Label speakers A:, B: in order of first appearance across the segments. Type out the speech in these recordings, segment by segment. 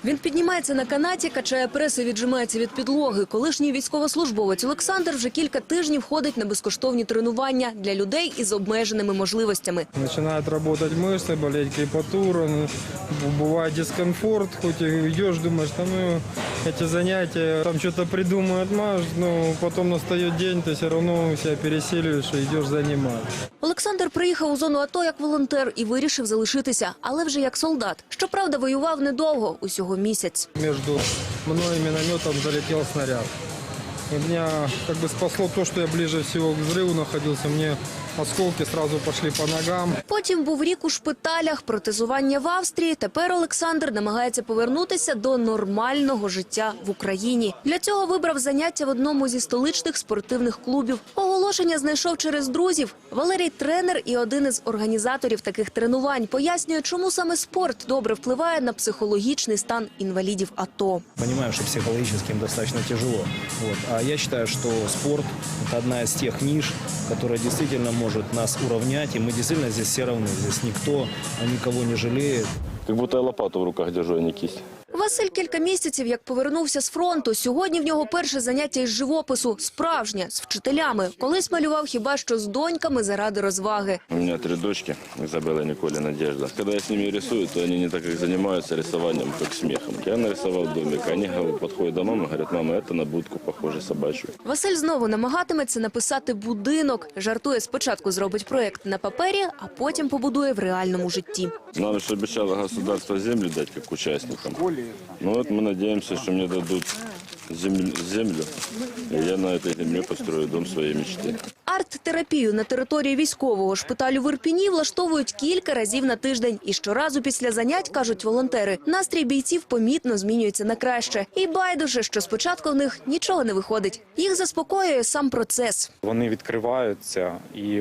A: Він піднімається на канаті, качає прес і віджимається від підлоги. Колишній військовослужбовець Олександр вже кілька тижнів ходить на безкоштовні тренування для людей із обмеженими можливостями.
B: Починають працювати мишці, болить крепатура, буває дискомфорт, хоч і йдеш, думаєш, ці заняття, там щось придумають, потім настає день, ти все одно себе пересилюєш і йдеш займатися.
A: Олександр приїхав у зону АТО як волонтер і вирішив залишитися, але вже як солдат. Щоправда, воював недовго, усього місяць.
B: Між мною і мінометом залетів снаряд. И меня спасло то, что я ближе всего к взрыву находился. Мне осколки сразу пошли по ногам.
A: Потім був рік у шпиталях, протезування в Австрії. Тепер Олександр намагається повернутися до нормального життя в Україні. Для цього вибрав заняття в одному зі столичних спортивних клубів. Оголошення знайшов через друзів. Валерій – тренер і один із організаторів таких тренувань. Пояснює, чому саме спорт добре впливає на психологічний стан інвалідів АТО.
C: Понимаем, что психологически им достаточно тяжело. А я считаю, что спорт – это одна из тех ниш, которая действительно может нас уравнять, и мы действительно здесь все равны. Здесь никто никого не жалеет.
D: Как будто я лопату в руках держу, а не кисть.
A: Василь кілька місяців, як повернувся з фронту. Сьогодні в нього перше заняття із живопису. Справжнє, з вчителями. Колись малював хіба що з доньками заради розваги.
D: У меня 3 дочки, Изабелла, Николя, Надежда. Когда я с ними рисую, то они не так как занимаются рисованием, как смехом. Я нарисовал домик, они подходят до мамы и говорят: мама, это на будку похоже собачью.
A: Василь знову намагатиметься написати будинок. Жартує, спочатку зробить проєкт на папері, а потім побудує в реальному житті.
D: Нам же обещало государство землю дать как участникам. Ну вот мы надеемся, что мне дадут землю, и я на этой земле построю дом своей мечты.
A: Арт-терапію на території військового шпиталю в Ірпіні влаштовують кілька разів на тиждень. І щоразу після занять, кажуть волонтери, настрій бійців помітно змінюється на краще. І байдуже, що спочатку в них нічого не виходить. Їх заспокоює сам процес.
E: Вони відкриваються і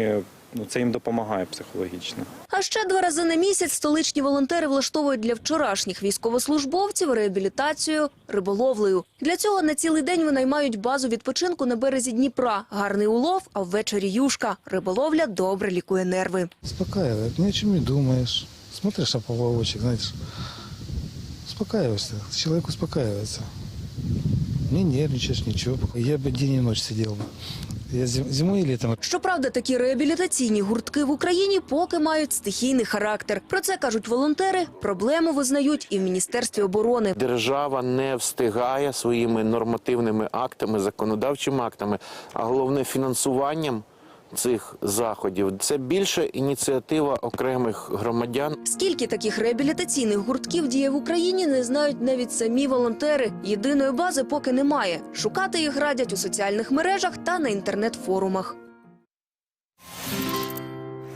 E: це їм допомагає психологічно.
A: А ще 2 рази на місяць столичні волонтери влаштовують для вчорашніх військовослужбовців реабілітацію риболовлею. Для цього на цілий день винаймають базу відпочинку на березі Дніпра. Гарний улов, а ввечері юшка. Риболовля добре лікує нерви.
F: Успокаивает, ни о чем не думаешь. Смотришь на поплавочек, знаешь, успокаиваешься, человек успокаивается. Не нервничаешь, ничего. Я бы день и ночь сидел бы. Я зимой и летом.
A: Щоправда, такі реабілітаційні гуртки в Україні поки мають стихійний характер. Про це кажуть волонтери, проблему визнають і в Міністерстві оборони.
G: Держава не встигає своїми нормативними актами, законодавчими актами, а головне фінансуванням цих заходів. Це більше ініціатива окремих громадян.
A: Скільки таких реабілітаційних гуртків діє в Україні, не знають навіть самі волонтери. Єдиної бази поки немає. Шукати їх радять у соціальних мережах та на інтернет-форумах.